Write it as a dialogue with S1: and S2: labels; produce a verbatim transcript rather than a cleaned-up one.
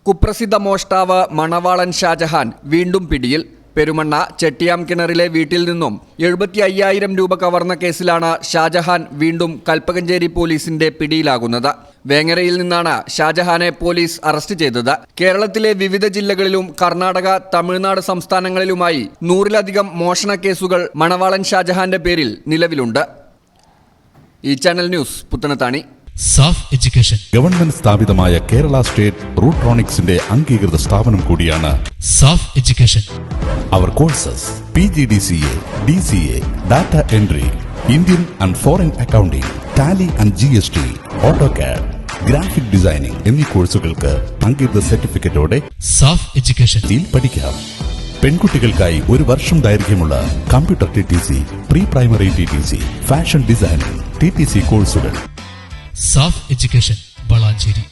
S1: കുപ്രസിദ്ധ മോഷ്ടാവ് മണവാളൻ ഷാജഹാൻ വീണ്ടും പിടിയിൽ. പെരുമണ്ണ ചെട്ടിയാം കിണറിലെ വീട്ടിൽ നിന്നും എഴുപത്തി അയ്യായിരം രൂപ കവർന്ന കേസിലാണ് ഷാജഹാൻ വീണ്ടും കൽപ്പകഞ്ചേരി പോലീസിന്റെ പിടിയിലാകുന്നത്. വേങ്ങരയിൽ നിന്നാണ് ഷാജഹാനെ പോലീസ് അറസ്റ്റ് ചെയ്തത്. കേരളത്തിലെ വിവിധ ജില്ലകളിലും കർണാടക, തമിഴ്നാട് സംസ്ഥാനങ്ങളിലുമായി നൂറിലധികം മോഷണ കേസുകൾ മണവാളൻ ഷാജഹാന്റെ പേരിൽ നിലവിലുണ്ട്. ഈ channel news Puthanathani.
S2: Saf education
S3: government സ്ഥാപിതമായ കേരള സ്റ്റേറ്റ് റൂട്രോണിക്സിന്റെ അംഗീകൃത സ്ഥാപനം കൂടിയാണ്
S2: സാഫ് എഡ്യൂക്കേഷൻ.
S3: അവർ courses P G D C A, D C A, data entry, Indian and foreign accounting, Tally and G S T, AutoCAD, graphic designing എന്നീ കോഴ്സുകൾക്ക് അംഗീകൃത സർട്ടിഫിക്കറ്റോടെ
S2: സാഫ് എഡ്യൂക്കേഷൻ
S3: പഠിക്കാം. പെൺകുട്ടികൾക്കായി ഒരു വർഷം ദൈർഘ്യമുള്ള computer T T C, pre primary T T C, fashion designing T T C കോഴ്സുകൾ.
S2: Saf education Valanchery.